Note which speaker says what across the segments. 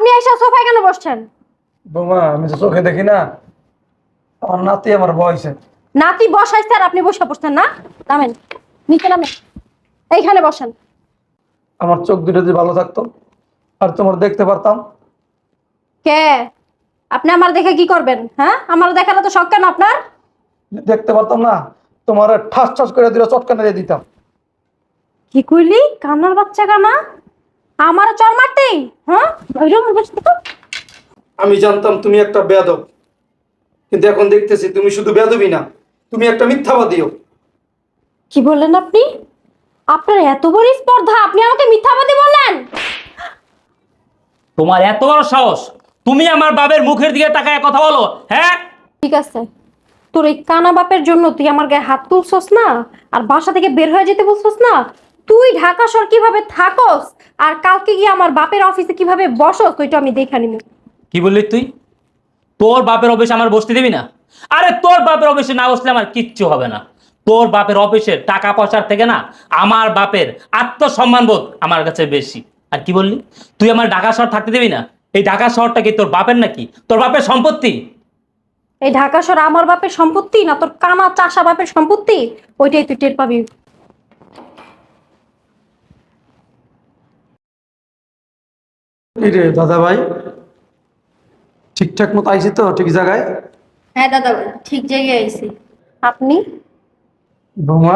Speaker 1: আপনি এসে সোফায় কেন বসছেন?
Speaker 2: বৌমা আমি তো চোখে দেখি না, আমার নাতি আমার বয়সে।
Speaker 1: নাতি বসাইছে আর আপনি বসে পড়ছেন না? নামেন, নিচে নামেন, এইখানে বসেন।
Speaker 2: আমার চোখ দুটো যদি ভালো থাকতো আর তোমার দেখতে পারতাম।
Speaker 1: কে? আপনি আমার দেখে কি করবেন? হ্যাঁ, আমার দেখার তো শখ কেন আপনার?
Speaker 2: দেখতে পারতাম না, তোমার ঠাস ঠাস করে দিলে চটকানা দিয়ে দিতাম।
Speaker 1: কি কইলি? কান্নার বাচ্চা কানা আমার চর মারতেই? হ্যাঁ,
Speaker 2: আমি জানতাম তুমি একটা বেয়াদব, কিন্তু এখন দেখতেছি তুমি শুধু বেয়াদবই না, তুমি একটা মিথ্যাবাদীও।
Speaker 1: কি বললেন আপনি? আপনার এত বড় স্পর্ধা, আপনি আমাকে মিথ্যাবাদী বললেন?
Speaker 3: তোমার এত বড় সাহস, তুমি আমার বাবার মুখের দিকে তাকায় কথা বলো? হ্যাঁ,
Speaker 1: ঠিক আছে, তোর এই কানা বাপের জন্য তুই আমার গায়ে হাত তুলছস না, আর বাসা থেকে বের হয়ে যেতে বলছস না। তুই ঢাকা শহর কিভাবে থাকস আর কালকে গিয়ে আমার বাপের অফিসে কিভাবে বসস ওইটা আমি দেখে নিব।
Speaker 3: কি বললি তুই? তোর বাপের অফিসে আমার বসতে দিবি না? আরে তোর বাপের অফিসে না বসলে আমার কিচ্ছু হবে না। তোর বাপের অফিসের টাকা পয়সার থেকে না আমার বাপের আত্মসম্মান বোধ আমার কাছে বেশি। আর কি বললি? তুই আমার ঢাকা শহর থাকতে দিবি না? এই ঢাকা শহরটা কি তোর বাপের নাকি? তোর বাপের সম্পত্তি?
Speaker 1: এই ঢাকা শহর আমার বাপের সম্পত্তি না তোর কানা চাষা বাপের সম্পত্তি? ওইটাই তুই টের পাবি।
Speaker 2: এই রে দাদা ভাই, ঠিকঠাক মতো আইছি তো ঠিক জায়গায়?
Speaker 1: হ্যাঁ দাদা, ঠিক জায়গায় আইছি। আপনি?
Speaker 2: বৌমা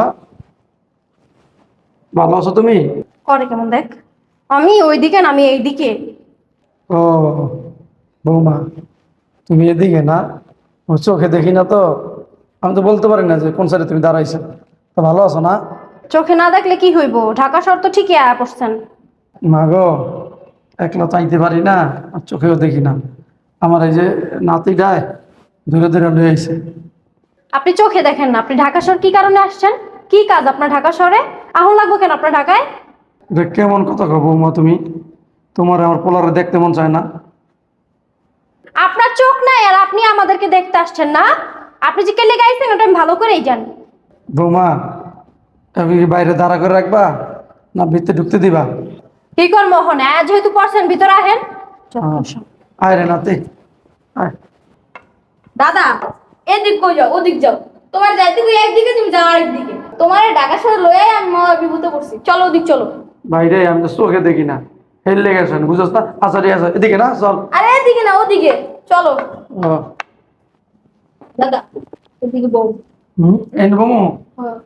Speaker 2: ভালো আছো তুমি?
Speaker 1: করে কেমন দেখ, আমি ওইদিকে না আমি এইদিকে।
Speaker 2: ও বৌমা, তুমি এদিকে না, ও চোখে দেখি না তো, আমি তো বলতে পারি না যে কোন সাইডে তুমি দাঁড়াইছো। তো ভালো আছো না?
Speaker 1: চোখে না দেখলে কি হইব, ঢাকা শহর তো ঠিকই আয়া পড়ছেন।
Speaker 2: মা গো, একলা চাইতে পারি না আর চোখেও দেখি না। আমার এই যে নাতিটায় ধরে ধরে লয়ে আইছে।
Speaker 1: আপনি চোখে দেখেন না, আপনি ঢাকা শহর কি কারণে আসছেন? কি কাজ আপনার ঢাকা শহরে? আহন লাগবো কেন আপনার ঢাকায়?
Speaker 2: এটা কেমন কথা কও বৌমা তুমি? তোমার আমার পোলারে দেখতে মন চায় না?
Speaker 1: আপনার চোখ নাই আর আপনি আমাদেরকে দেখতে আসছেন না? আপনি যে কেলে গাইছেন ওটা আমি ভালো করেই জানি।
Speaker 2: বৌমা আমি কি বাইরে দাঁড়া করে রাখবা না ভিতরে ঢুকতে দিবা?
Speaker 1: কি কর মোহন, যেহেতু পড়ছেন ভিতরে আহেন।
Speaker 2: আয় রে নাতি আয়।
Speaker 4: দাদা, এদিক কই যাও ওদিক যাও, তোমার যাইতে কই একদিকে তুমি যাও আরেকদিকে। তোমার ঢাকা শহর লয়ে আমি মহা বিভূত করছি। চলো ওদিক চলো।
Speaker 2: বাইরে আমি তো চোখে দেখি না, হেললে গেছেন বুঝছ না? আচ্ছা ঠিক আছে, এদিকে না চল।
Speaker 4: আরে এদিকে না ওদিকে চলো।
Speaker 2: ও,
Speaker 4: দাদা এদিকে বউ।
Speaker 2: এই নে বমু।
Speaker 4: হ্যাঁ।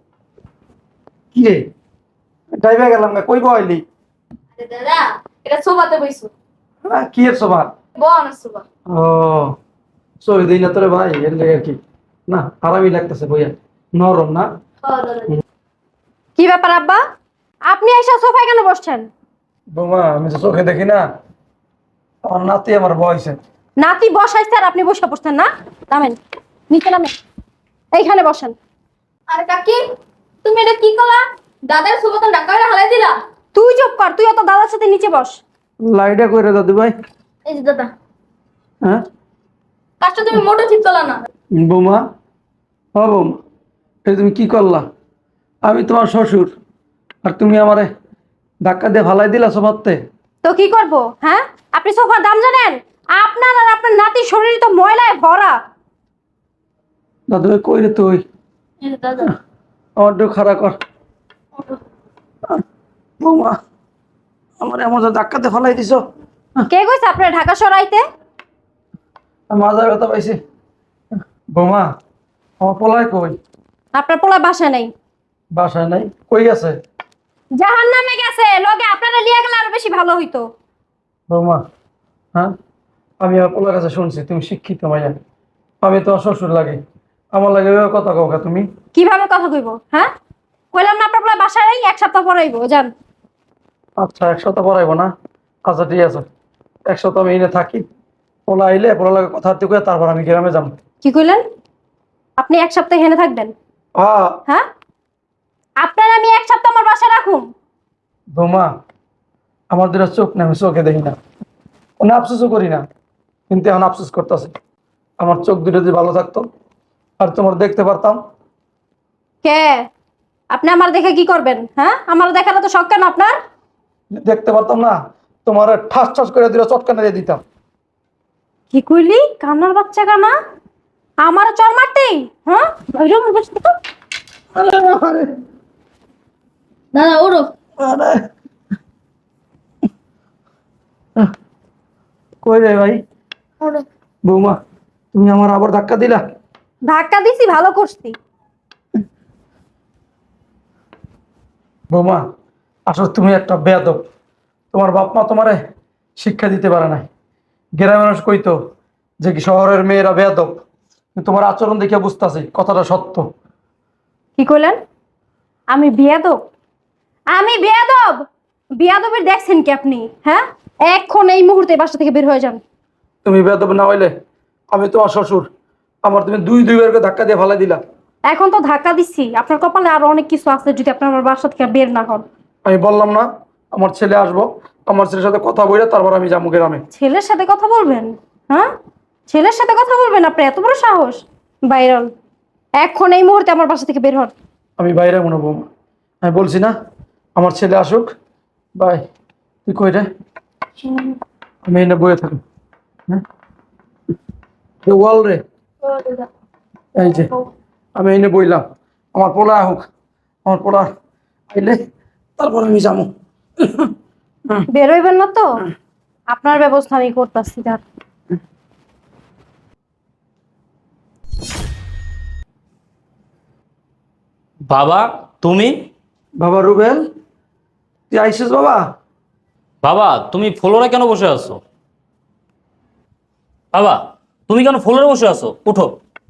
Speaker 2: কি রে ডাইবে গেলাম না, কই বইলি?
Speaker 4: আরে দাদা, এটা সোফাতে বইছো।
Speaker 2: কি এর সবার?
Speaker 4: বউ না সোফা।
Speaker 2: ও চোখে দিই না তোরে ভাই, এর লেগে আর কি না, আরামই লাগতেছে বইয়া, নরম না?
Speaker 4: হ্যাঁ দাদা।
Speaker 1: কি ব্যাপার আব্বা, আপনি এসে সোফায় কেন বসছেন?
Speaker 2: বৌমা আমি তো চোখে দেখি না, আমার নাতি আমার বয়সে।
Speaker 1: নাতি বসাইছে আর আপনি বসে পড়ছেন না? নামেন, নিচে নামেন, এইখানে বসেন।
Speaker 4: আরে কাকি, তুমি এটা কি করলা? দাদার সোফা তো ঢাকা করে হালাই দিলা।
Speaker 1: তুই চুপ কর, তুই অত দাদার সাথে নিচে বস।
Speaker 2: লাইটা কইরে দাদু ভাই।
Speaker 4: এই যে দাদা,
Speaker 2: হ্যাঁ
Speaker 4: কাজটা তুমি মোটো ঠিক করলা না।
Speaker 2: বৌমা, ও বৌমা, এই তুমি কি করলা? আমি তোমার শ্বশুর আর তুমি আমারে ধাক্কা দিয়ে ফালাই দিলা সোফাতে।
Speaker 1: তো কি করব? হ্যাঁ, আপনি সোফার দাম জানেন? আপনার আর আপনার নাতির শরীর তো ময়লায় ভরা।
Speaker 2: দাদু ভাই কই রে তুই?
Speaker 4: এই যে দাদা।
Speaker 2: আমার একটু খাড়া কর। বৌমা আমার এমন ধাক্কাতে ফালাই দিছ,
Speaker 1: কে কইছে আপনার ঢাকা সরাইতে?
Speaker 2: মাজার ব্যথা পাইছি। বৌমা আমার পোলায় কই?
Speaker 1: আপনার পোলা বাসা নেই।
Speaker 2: বাসায় নাই? কই গেছে?
Speaker 1: জাহান্নামে গেছে, লগে আপনারা লিয়ে গেলে আরো বেশি ভালো হইতো।
Speaker 2: বৌমা হ্যাঁ, আমি আমার পোলার কাছে শুনছি তুমি শিক্ষিত মাইয়া, আমি তোমার শ্বশুর লাগে, আমার লাগে এভাবে কথা কও কা তুমি?
Speaker 1: কিভাবে কথা কইব? হ্যাঁ, কইলাম না আপনার পোলা বাসা নেই, এক সপ্তাহ পরে আইবো, যান।
Speaker 2: আচ্ছা এক সপ্তাহ পরাইবো না? আচ্ছা ঠিক আছে, এক সপ্তাহ আমি এনে থাকি, পোলা আইলে পোলা লাগে কথা হাতে কয়ে তারপর আমি গ্রামে যাবো।
Speaker 1: কি কইলেন? আপনি এক সপ্তাহ হেনে থাকবেন?
Speaker 2: হ্যাঁ।
Speaker 1: হ্যাঁ, আপনার আমি এক সপ্তাহ আমার বাসায় রাখুম?
Speaker 2: বৌমা আমার দুটো চোখ না, আমি চোখে দেখি না, কোনো আফসোসও করি না, কিন্তু এখন আফসোস করতেছে। আমার চোখ দুটো যদি ভালো থাকতো আর তোমার দেখতে পারতাম।
Speaker 1: কে? আপনি আমার দেখে কি করবেন? হ্যাঁ, আমার দেখার তো শখ কেন আপনার?
Speaker 2: দেখতে পারতাম না, তোমার ঠাস ঠাস করে দিলে চটকানা দিয়ে দিতাম।
Speaker 1: কি কইলি? কান্নার বাচ্চা কানা আমার চর মারতেই? হ্যাঁ বাইরে আমার বাসা থেকে।
Speaker 2: আরে আরে
Speaker 4: দাদা ওরো।
Speaker 2: আরে কই রে ভাই?
Speaker 4: ওরো।
Speaker 2: বৌমা, তুমি আমার আবার ধাক্কা দিলা।
Speaker 1: ধাক্কা দিছি, ভালো করছি।
Speaker 2: বৌমা, আসলে তুমি একটা বেয়াদব। তোমার বাপ মা তোমারে শিক্ষা দিতে পারে নাই। গ্রামের মানুষ কইতো যে কি শহরের মেয়েরা বেয়াদব, কিন্তু তোমার আচরণ দেখে বুঝতেছি কথাটা সত্য।
Speaker 1: কি কইলেন? আমি বিয়াদব? আমি বিয়াদব? বিয়াদবের দেখছেন কি আপনি? হ্যাঁ, এখন এই মুহূর্তে বাসা থেকে বের হয়ে যান।
Speaker 2: তুমি বেয়াদব না হইলে আমি তোমার শ্বশুর, আমার তুমি দুইবার করে ধাক্কা দিয়ে ফালাই দিলা।
Speaker 1: এখন তো ধাক্কা দিচ্ছি, আপনার কপালে আরো অনেক কিছু আছে যদি আপনি আমার বাসা থেকে বের না হন।
Speaker 2: আমি বললাম না আমার ছেলে আসবো, আমার ছেলের সাথে কথা বলে তারপর আমি যাবো গ্রামে।
Speaker 1: ছেলের সাথে কথা বলবেন? হ্যাঁ, ছেলের সাথে কথা বলবেন? আপনার এত বড় সাহস! বাইরন, এখন এই মুহূর্তে আমার বাসা থেকে বের হন।
Speaker 2: আমি বাইরে মনে বৌমা, আমি বলছি না আমার ছেলে আসুক। বাই। তুই কই রে? আমি এনে বয়ে থাকি। হ্যাঁ ওয়াল রে, এই যে আমি এনে বইলাম। আমার পোলা হোক, আমার পোলা আইলে তারপর আমি যাবো।
Speaker 1: বের হইবেন না তো? আপনার ব্যবস্থা আমি করতেছি।
Speaker 3: বাবা তুমি?
Speaker 2: বাবা রুবেল, তুই আইসিস বাবা?
Speaker 3: বাবা তুমি ফ্লোরে কেন বসে আছো? বাবা তুমি কেন ফ্লোরে বসে আছো? উঠো।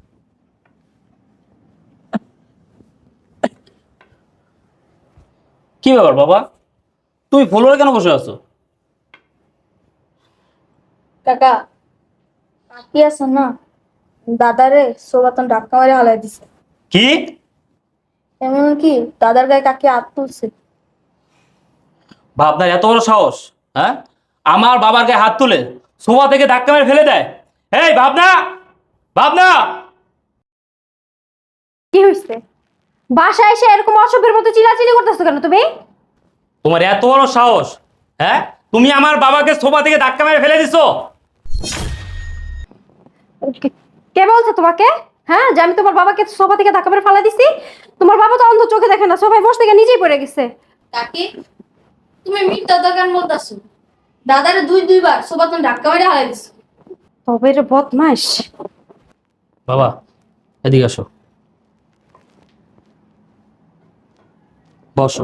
Speaker 3: কি ব্যাপার বাবা, তুমি ফ্লোরে কেন বসে আছো?
Speaker 4: কাকা কাকি আছে না, দাদারে সোবাতন ধাক্কা মারে হালাই দিছে।
Speaker 3: কি?
Speaker 4: এমন কি দাদার গায়ে কাকি হাত তুলছে।
Speaker 3: আপনার এত বড় সাহস? হ্যাঁ, আমার বাবার গায়ে হাত তুলে সোফা থেকে ধাক্কা মেরে ফেলে দেয়? এই ভাবনা, ভাবনা!
Speaker 1: কি হয়েছে? বাসায় এসে এরকম অসভ্যের মতো চিল্লাচিল্লি করতেছো কেন তুমি?
Speaker 3: তোমার এত বড় সাহস? হ্যাঁ, তুমি আমার বাবাকে সোফা থেকে ধাক্কা মেরে ফেলে দিছো?
Speaker 1: কে বলছে তোমাকে? হ্যাঁ, যে আমি তোমার বাবাকে সোফা থেকে ধাক্কা মেরে ফেলা দিছি? তোমার বাবা তো অন্ধ, চোখে দেখে না, সোফায় বসে থেকে নিজেই পড়ে গেছে।
Speaker 4: কাকি তুমি মিথ্যা দোকান বলতাছো, দাদারে দুইবার সোবাতন ধাক্কা মারে হালাই দিছে।
Speaker 1: তবে রে বদমাস।
Speaker 3: বাবা এদিকে আসো, বসো।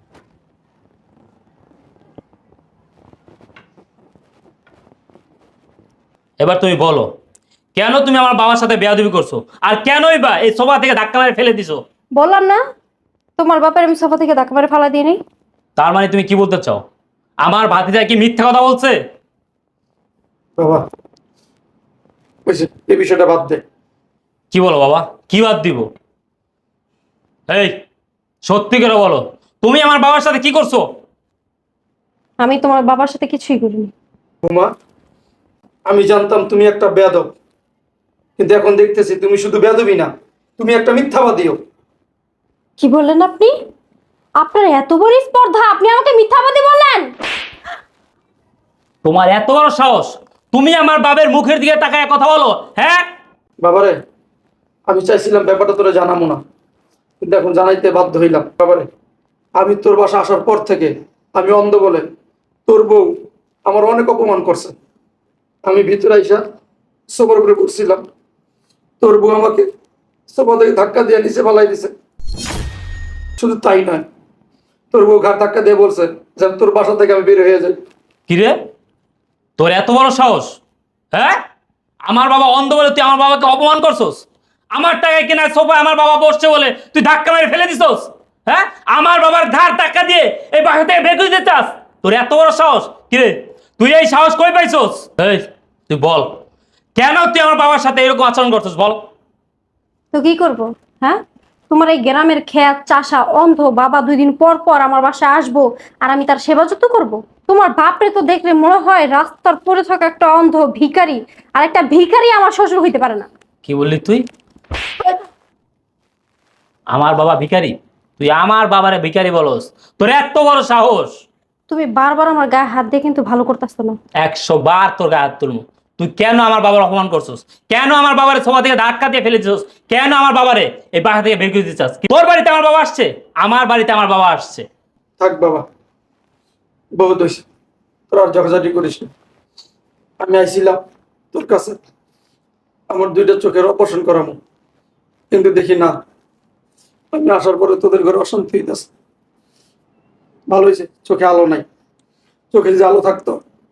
Speaker 3: এবার তুমি বলো, কেন তুমি আমার বাবার সাথে বেয়াদবি করছো, আর কেনই বা এই সোফা থেকে ধাক্কা মেরে ফেলে দিছো?
Speaker 1: বললাম না তোমার বাপের আমি সোফা থেকে ধাক্কা মেরে ফেলা দিইনি?
Speaker 3: তার মানে তুমি কি বলতে চাও, আমার ভাতিজা কি মিথ্যা কথা বলছে?
Speaker 2: বাবা বুঝছি, এই বিষয়টা বাদ দে।
Speaker 3: কি বলো বাবা, কি বাদ দিব? এই সত্যি করে বলো, তুমি আমার বাবার সাথে কি করছো?
Speaker 1: আমি তোমার বাবার সাথে কিছুই করিনি।
Speaker 2: বৌমা, আমি জানতাম তুমি একটা বেয়াদব, কিন্তু এখন দেখতেছি তুমি শুধু বেয়াদবই না, তুমি একটা মিথ্যাবাদীও।
Speaker 1: কি বললেন আপনি? আপনার এত বড় স্পর্ধা, আপনি আমাকে মিথ্যাবাদী বললেন?
Speaker 3: তোমার এত বড় সাহস, তুমি আমার বাবার মুখের দিকে তাকায় কথা বলো? হ্যাঁ
Speaker 2: বাবারে, আমি চাইছিলাম ব্যাপারটা তোরা জানাবো না, কিন্তু এখন জানাইতে বাধ্য হইলাম। বাবারে, আমি তোর বাসা আসার পর থেকে আমি অন্ধ বলে তোর বউ আমার অনেক অপমান করছে। আমি ভিতরে আইসা সোফার উপরে বসছিলাম, তোর বউ আমাকে সোফা থেকে ধাক্কা দিয়ে নিচে ফালাই দিছে। শুধু তাই নয়, তোর বউ ঘাট ধাক্কা দিয়ে বলছে যেন তোর বাসা থেকে আমি বের হয়ে যাই।
Speaker 3: কিরে, তোর এত বড় সাহস? হ্যাঁ, আমার বাবা অন্ধ বলে তুই আমার বাবাকে অপমান করছস? আমার টাকায় কেনা সোফা আমার বাবা বসছে বলে তুই ধাক্কা মেরে ফেলে দিছস? হ্যাঁ, আমার বাবার ধার টাকা দিয়ে এই বাসা থেকে বের করে দিতে চাস? তোর এত বড় সাহস? কিরে, তুই এই সাহস কই পাইছস? এই তুই বল, কেন তুই আমার বাবার সাথে এরকম আচরণ করছস বল?
Speaker 1: তো কি করব? হ্যাঁ, তোমার এই গ্রামের খেত চাষা অন্ধ বাবা 2 দিন পর পর আমার বাসায় আসবো আর আমি তার সেবা যত্ন করবো? তোমার বাপরে তো দেখলে মনে হয় রাস্তার পড়ে থাকা একটা অন্ধ ভিখারি, আর একটা ভিখারি আমার শ্বশুর হইতে পারে না।
Speaker 3: কি বললি তুই? আমার বাবা ভিখারি? তুই আমার বাবারে ভিখারি বলস? তোর এত বড় সাহস?
Speaker 1: তুমি বারবার আমার গায়ে হাত দিয়ে কিন্তু ভালো করতেছো না।
Speaker 3: 100 বার তোর গায়ে হাত তুলবো। তুই কেন আমার বাবার অপমান করছিস? কেন আমার বাবারে সোফা থেকে ধাক্কা দিয়ে ফেলে দিছিস? কেন আমার বাবারে এই বাসা থেকে বের করে দিতে চাস? তোর বাড়িতে আমার বাবা আসছে, আমার বাড়িতে আমার বাবা আসছে।
Speaker 2: থাক বাবা, বহুত হয়েছে, তোর আর ঝগড়াঝাটি করিস না। আমি আইছিলাম তোর কাছে আমার 2টা চোখের অপারেশন করামো, কিন্তু দেখি না, আমি আসার পরে তোদের ঘরে অশান্তি হইতেছে। ভালো হয়েছে চোখে আলো নাই, চোখে যে আলো থাকতো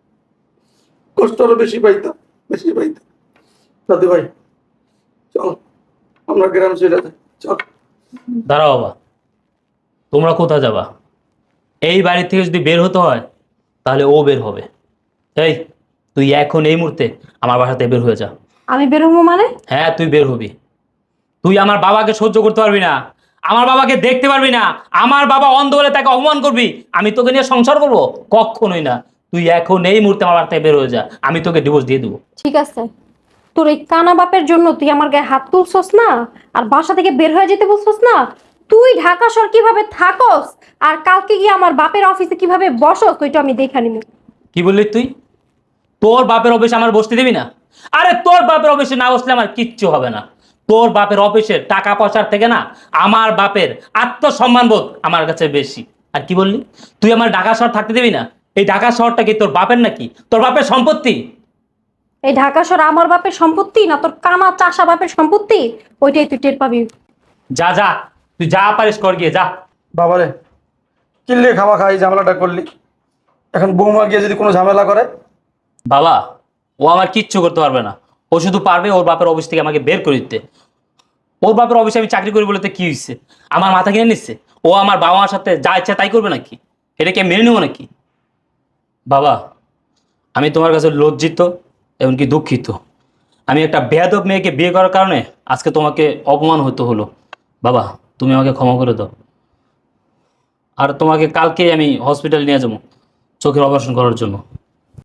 Speaker 2: কষ্ট আরো বেশি পাইতাম, বেশি পাইতাম। দাদু ভাই চল আমরা গ্রাম চলে যাই, চল।
Speaker 3: দাঁড়াও বাবা, তোমরা কোথায় যাবা? এই বাড়ি থেকে যদি বের হতে হয় তাহলে ও বের হবে। এই তুই এখন এই মুহূর্তে আমার বাসাতে বের হয়ে যা।
Speaker 1: আমি বেরোবো মানে?
Speaker 3: হ্যাঁ তুই বের হবি। তুই আমার বাবাকে সহ্য করতে পারবি না, আমার বাবাকে দেখতে পারবি না, আমার বাবা অন্ধ বলে তাকে অপমান করবি, আমি তোকে নিয়ে সংসার করবো? কখনোই না। তুই এখন এই মুহূর্তে আমার বাড়ি থেকে বের হয়ে যা, আমি তোকে ডিভোর্স দিয়ে দেবো।
Speaker 1: ঠিক আছে, তোর এই কানা বাপের জন্য তুই আমার গায়ে হাত তুলছস না, আর বাসা থেকে বের হয়ে যেতে বলছস না। তুই ঢাকা শহর কিভাবে থাকস আর কালকে গিয়ে আমার বাপের অফিসে কিভাবে বসস ওইটা আমি দেখে নিব।
Speaker 3: কি বললি তুই? তোর বাপের অফিসে আমার বসতে দিবি না? আরে তোর বাপের অফিসে না বসলে আমার কিচ্ছু হবে না। তোর বাপের অফিসের টাকা পয়সার থেকে না আমার বাপের আত্মসম্মান বোধ আমার কাছে বেশি। আর কি বললি? তুই আমার ঢাকা শহর থাকতে দিবি না? এই ঢাকা শহরটা কি তোর বাপের নাকি? তোর বাপের সম্পত্তি?
Speaker 1: এই ঢাকা শহর আমার বাপের সম্পত্তি না তোর কানা চাষা বাপের সম্পত্তি? ওইটাই তুই টের পাবি।
Speaker 3: যা যা, তুই যা পারিস কর গিয়ে যা।
Speaker 2: বাবারে কিনলে খাওয়া খাই ঝামেলাটা করলি, এখন বৌমা গিয়ে যদি কোনো ঝামেলা করে?
Speaker 3: বাবা, ও আমার কিচ্ছু করতে পারবে না। ও শুধু পারবে ওর বাপের অফিস থেকে আমাকে বের করে দিতে। ওর বাপের অফিসে আমি চাকরি করি বলে তো কি হয়েছে? আমার মাথা কিনে নিচ্ছে? ও আমার বাবা মার সাথে যা ইচ্ছা তাই করবে নাকি? এটা কি আমি মেনে নেবো নাকি? বাবা, আমি তোমার কাছে লজ্জিত এমনকি দুঃখিত। আমি একটা বেয়াদব মেয়েকে বিয়ে করার কারণে আজকে তোমাকে অপমান হতে হলো। বাবা, তুমি আমাকে ক্ষমা করে দাও। আর তোমাকে কালকেই আমি হসপিটাল নিয়ে যাবো চোখের অপারেশন করার জন্য।